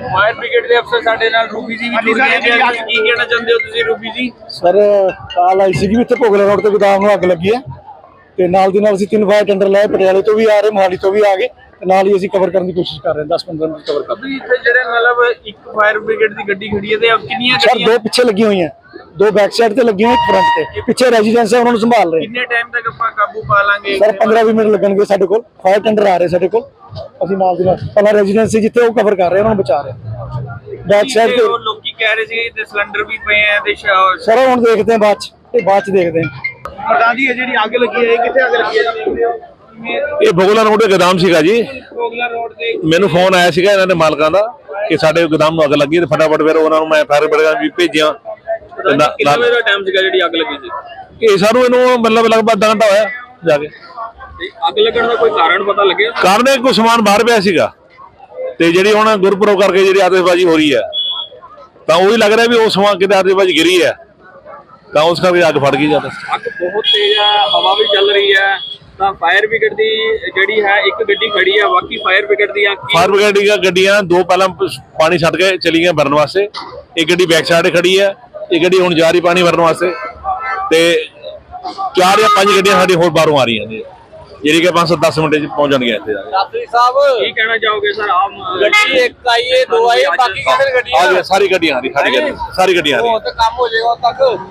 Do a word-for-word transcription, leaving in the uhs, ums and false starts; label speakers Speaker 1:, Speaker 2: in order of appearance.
Speaker 1: Fire brigade के अफसर साडे नाल रूबी जी भी जुड़ गए हैं। की कहना चाहते हो तुसीं रूबी जी?
Speaker 2: सर काल आई सी भी इत्थे भोगला रोड ते गोदाम ਨੂੰ ਅੱਗ ਲੱਗੀ ਹੈ ਤੇ ਨਾਲ ਦੀ ਨਾਲ ਅਸੀਂ ਤਿੰਨ ਫਾਇਰ ਟੈਂਡਰ ਲਾਏ, ਪਟਿਆਲੇ ਤੋਂ ਵੀ ਆ ਰਹੇ, ਮੋਹਾਲੀ ਤੋਂ ਵੀ ਆ ਗਏ ਤੇ ਨਾਲ ਹੀ ਅਸੀਂ ਕਵਰ ਕਰਨ ਦੀ ਕੋਸ਼ਿਸ਼ ਕਰ ਰਹੇ ਹਾਂ। ਦਸ ਪੰਦਰਾਂ ਮਿੰਟ ਕਵਰ ਕਰ
Speaker 1: ਅਭੀ ਇੱਥੇ ਜਿਹੜੇ ਮਤਲਬ ਇੱਕ ਫਾਇਰ ਬ੍ਰਿਗੇਡ ਦੀ ਗੱਡੀ ਖੜੀ ਹੈ ਤੇ ਕਿੰਨੀਆਂ
Speaker 2: ਸਰ
Speaker 1: ਗੱਡੀਆਂ
Speaker 2: ਦੋ ਪਿੱਛੇ ਲੱਗੀਆਂ ਹੋਈਆਂ, ਦੋ ਬੈਕ ਸਾਈਡ ਤੇ ਲੱਗੀਆਂ ਹੋਈਆਂ, ਇੱਕ ਫਰੰਟ ਤੇ। ਪਿੱਛੇ ਰੈਜ਼ੀਡੈਂਸ ਹੈ, ਉਹਨਾਂ ਨੂੰ ਸੰਭਾਲ ਰਹੇ।
Speaker 1: ਕਿੰਨੇ ਟਾਈਮ ਤੱਕ ਆਪਾਂ ਕਾਬੂ ਪਾ ਲਾਂਗੇ?
Speaker 2: ਸਰ ਪੰਦਰਾਂ ਵੀਹ ਮਿੰਟ ਲੱਗਣਗੇ। ਸਾਡੇ ਕੋਲ ਫਾਇਰ ਟੈਂਡਰ ਆ ਰਹੇ, ਸਾਡੇ ਕੋਲ ਅਸੀਂ ਨਾਲ ਦੀ ਨਾਲ ਪਹਿਲਾਂ ਰੈਜ਼ੀਡੈਂਸ ਸੀ ਜਿੱਥੇ ਉਹ ਕਵਰ ਕਰ ਰਹੇ, ਉਹਨਾਂ ਨੂੰ ਬਚਾ ਰਹੇ। ਬੈਕ ਸਾਈਡ ਤੇ
Speaker 1: ਉਹ ਲੋਕੀ ਕਹਿ ਰਹੇ ਸੀ ਤੇ ਸਿਲੰਡਰ ਵੀ ਪਏ ਆ ਤੇ
Speaker 2: ਸਰ ਹੁਣ ਦੇਖਦੇ ਹਾਂ ਬਾਅਦ ਚ, ਇਹ ਬਾਅਦ ਚ ਦੇਖਦੇ ਹਾਂ।
Speaker 1: ਪ੍ਰਧਾਨ ਜੀ ਇਹ ਜਿਹੜੀ ਅੱਗ ਲੱਗੀ ਹੈ ਇਹ ਕਿੱਥੇ ਅੱਗ ਲੱਗੀ ਹੈ?
Speaker 3: ਇਹ ਭੋਗਲਾ ਰੋਡ ਦੇ ਗੋਦਾਮ ਸੀਗਾ ਜੀ।
Speaker 1: ਕੋਗਲਾ ਰੋਡ ਤੇ
Speaker 3: ਮੈਨੂੰ ਫੋਨ ਆਇਆ ਸੀਗਾ ਇਹਨਾਂ ਦੇ ਮਾਲਕਾਂ ਦਾ ਕਿ ਸਾਡੇ ਗੋਦਾਮ ਨੂੰ ਅੱਗ ਲੱਗੀ ਤੇ ਫਟਾਫਟ ਫਿਰ ਉਹਨਾਂ ਨੂੰ ਮੈਂ ਫਾਇਰ ਬ੍ਰਿਗੇਡ ਵੀ ਭੇਜਿਆ।
Speaker 1: ਕਿੰਨੇ ਵਜੇ ਦਾ ਟਾਈਮ ਸੀਗਾ ਜਿਹੜੀ ਅੱਗ ਲੱਗੀ ਸੀ?
Speaker 3: ਇਹ ਸਾਨੂੰ ਇਹਨੂੰ ਮਤਲਬ ਲਗਭਗ ਅੱਧਾ ਘੰਟਾ ਹੋਇਆ ਜਾ ਕੇ।
Speaker 1: ਤੇ ਅੱਗ ਲੱਗਣ ਦਾ ਕੋਈ ਕਾਰਨ ਪਤਾ ਲੱਗਿਆ?
Speaker 3: ਕਾਰਨ ਇਹ ਕੋਈ ਸਮਾਨ ਬਾਹਰ ਪਿਆ ਸੀਗਾ ਤੇ ਜਿਹੜੀ ਹੁਣ ਗੁਰਪੁਰਬ ਕਰਕੇ ਜਿਹੜੀ ਆਤਿਸ਼ਬਾਜ਼ੀ ਹੋ ਰਹੀ ਹੈ ਤਾਂ ਉਹੀ ਲੱਗ ਰਿਹਾ ਵੀ ਉਹ ਸਮਾਨ ਕਿਤੇ ਆਤਿਸ਼ਬਾਜ਼ੀ ਗਿਰੀ ਹੈ ਤਾਂ ਉਸ ਕਰਕੇ ਅੱਗ ਫੜ ਗਈ ਜ਼ਿਆਦਾ।
Speaker 1: ਅੱਗ ਬਹੁਤ ਤੇਜ਼ ਹੈ, ਹਵਾ ਵੀ ਚੱਲ ਰਹੀ ਹੈ ਤਾਂ ਫਾਇਰ ਬ੍ਰਿਗੇਡ ਦੀ ਜਿਹੜੀ ਹੈ ਇੱਕ ਗੱਡੀ ਖੜੀ ਹੈ, ਬਾਕੀ ਫਾਇਰ ਬ੍ਰਿਗੇਡ ਦੀਆਂ
Speaker 3: ਫਾਇਰ ਬ੍ਰਿਗੇਡ ਦੀਆਂ ਗੱਡੀਆਂ ਦੋ ਪਹਿਲਾਂ ਪਾਣੀ ਛੱਡ ਕੇ ਚਲੀ ਗਈਆਂ ਭਰਨ ਵਾਸਤੇ, ਇੱਕ ਗੱਡੀ ਬੈਕ ਸਾਈਡ ਖੜੀ ਹੈ, ਇੱਕ ਗੱਡੀ ਹੁਣ ਜਾ ਰਹੀ ਪਾਣੀ ਭਰਨ ਵਾਸਤੇ ਤੇ ਚਾਰ ਜਾਂ ਪੰਜ ਗੱਡੀਆਂ ਸਾਡੀ ਹੋਰ ਬਾਹਰੋਂ ਆ ਰਹੀਆਂ ਨੇ ਜਿਹੜੀ ਕਿ ਪੰਜ ਸੌ ਦਸ ਮਿੰਟ ਚ ਪਹੁੰਚ ਜਾਣਗੀਆਂ ਇੱਥੇ ਜਾ ਕੇ।
Speaker 1: ਰਾਤਰੀ ਸਾਹਿਬ ਕੀ ਕਹਿਣਾ ਚਾਹੋਗੇ ਸਰ? ਆਮ ਗੱਡੀ ਇੱਕ ਆਈ ਹੈ, ਦੋ ਆਈ ਹੈ, ਬਾਕੀ ਕਿਹਦੇ ਗੱਡੀਆਂ?
Speaker 3: ਸਾਰੀ ਗੱਡੀਆਂ ਆ ਰਹੀ, ਸਾਰੀ ਗੱਡੀਆਂ ਸਾਰੀ ਗੱਡੀਆਂ ਆ ਰਹੀਆਂ।
Speaker 1: ਕੰਮ ਹੋ ਜਾਏਗਾ ਤੱਕ